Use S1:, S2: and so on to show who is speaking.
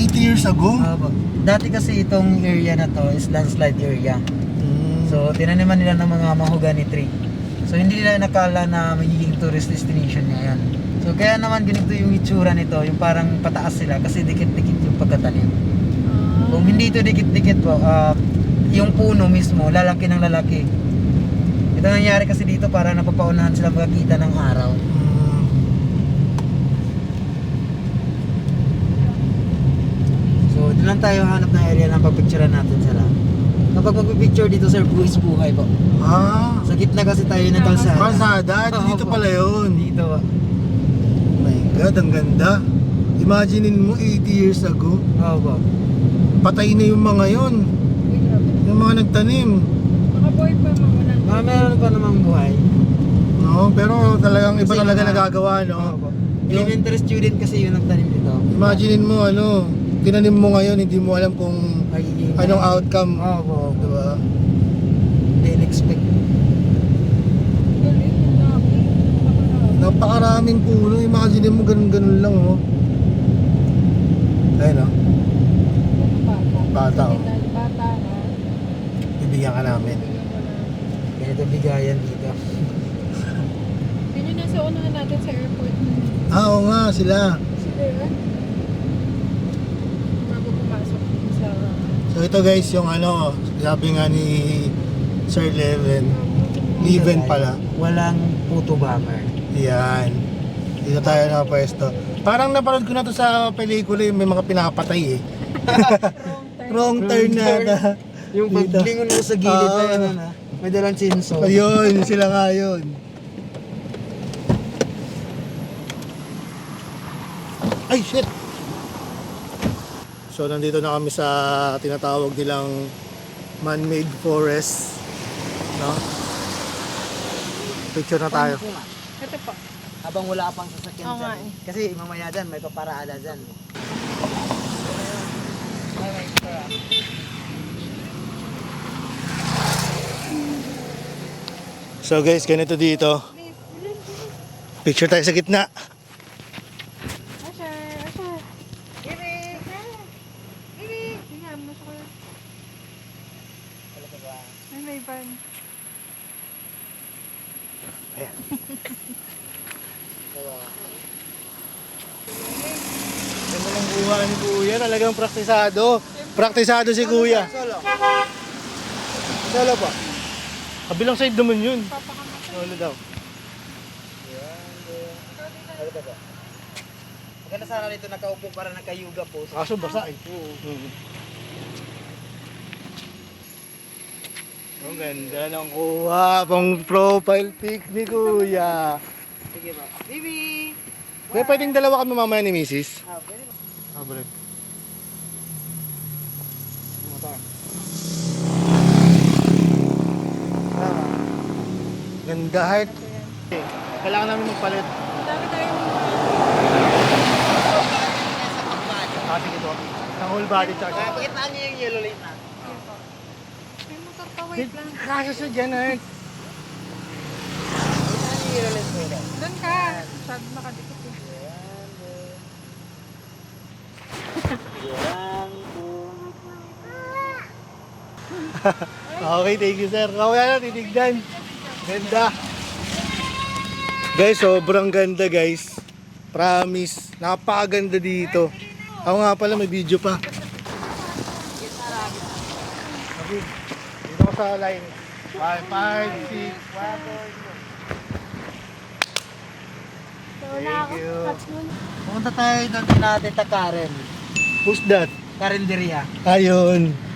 S1: 80 years ago?
S2: Dati kasi itong area na to is landslide area. So tinaniman nila ng mga mahogany tree. So hindi nila nakala na magiging tourist destination niya yan. So kaya naman ganito yung itsura nito, yung parang pataas sila kasi dikit-dikit yung pagkatanim. Kung hindi ito dikit-dikit po, yung puno mismo, lalaki ng lalaki. Ito nangyari kasi dito para napapaunahan sila makakita ng araw. So dito lang tayo hanap ng area na pagpicturean natin sila. Kapag magpipicture dito sir, buwis buhay po. Sa gitna kasi tayo ng kalsada.
S1: Kalsada? Dito pala yun.
S2: Dito po.
S1: Oh my God, ang ganda. Imaginein mo 80 years ago.
S2: Oo po.
S1: Patay na yung mga yun. Yung mga nagtanim.
S3: Nakabuhay pa mga
S2: Meron pa namang buhay.
S1: No, pero talagang iba
S2: Kasi
S1: talaga
S2: mga-
S1: nagagawa, no?
S2: Oo po. Elementary student kasi yung nagtanim dito.
S1: Imaginein mo, tinanim mo ngayon, hindi mo alam kung
S2: Magiging
S1: anong outcome.
S2: Oo po.
S1: Diba?
S2: Hindi in-expect.
S1: Napakaraming puno. Imagine mo ganun-ganun lang, oh. Ayun, oh. Bata, oh.
S3: Bata, no?
S1: Bibigyan ka namin.
S2: Ganito bigayan dito.
S3: Yun yung nasa unahan natin sa airport.
S1: Oo nga, sila.
S3: Sila yun. Bago pumasok sa...
S1: So ito guys, yung sabi nga ni Sir Leven pala.
S2: Walang puto bomber.
S1: Yan. Dito tayo nakapwesto. Parang napanood ko na to sa pelikula, yung may mga pinapatay eh. Wrong turn na.
S2: Yung
S1: Dito.
S2: paglingon mo sa gilid na yan, may dalang chainsaw.
S1: Ayun, sila nga yun. Ay, shit! So, nandito na kami sa tinatawag nilang man-made forest. No? Picture na tayo.
S3: Ito po.
S2: Habang wala pang sasakyan
S3: Oo nga
S2: dyan.
S3: eh.
S2: Kasi mamaya dyan, may paparada dyan.
S1: So guys, ganito dito. Picture tayo sa gitna.
S3: Asher, Asher. Ibi! Ibi! Tingnan mo siya. Ay, may van.
S1: Ayan. Ganda ng buha ni Kuya, talagang praktisado. Praktisado si Kuya.
S2: Solo.
S1: Solo pa. Kabilang side naman yun.
S3: Papakamat.
S1: Solo daw.
S2: Maganda sana dito nakaupo para nakayuga po.
S1: Kaso basa eh. Ang ganda ng kuha. Pang profile pic ni Kuya.
S2: Sige ba? Bibi!
S1: Kaya pwedeng dalawa kami mamaya ni Mrs.
S2: Pwede ba?
S1: Balik.
S2: Motor.
S1: Ganda heart. Kailangan namin magpalit.
S3: Dami tayong
S1: Kasi ito. Ang whole body charge.
S2: Pakitaan niyo yung yellow light na.
S3: may motor pa, wait lang.
S1: Kasi sa dyan heart.
S2: Pakitaan niyo yung yellow light po daw.
S3: Doon ka. Masyado nakadikit eh.
S2: Yan po.
S1: Okay, thank you sir. Kawaya na, titignan. Ganda. Guys, sobrang ganda guys. Promise. Napakaganda dito. Ako nga pala, may video pa. Okay. Dito ko sa line. 5, 5, 6. Thank you.
S2: Pumunta tayo doon natin ta Karen.
S1: Who's that?
S2: Karinderia.
S1: Ayun.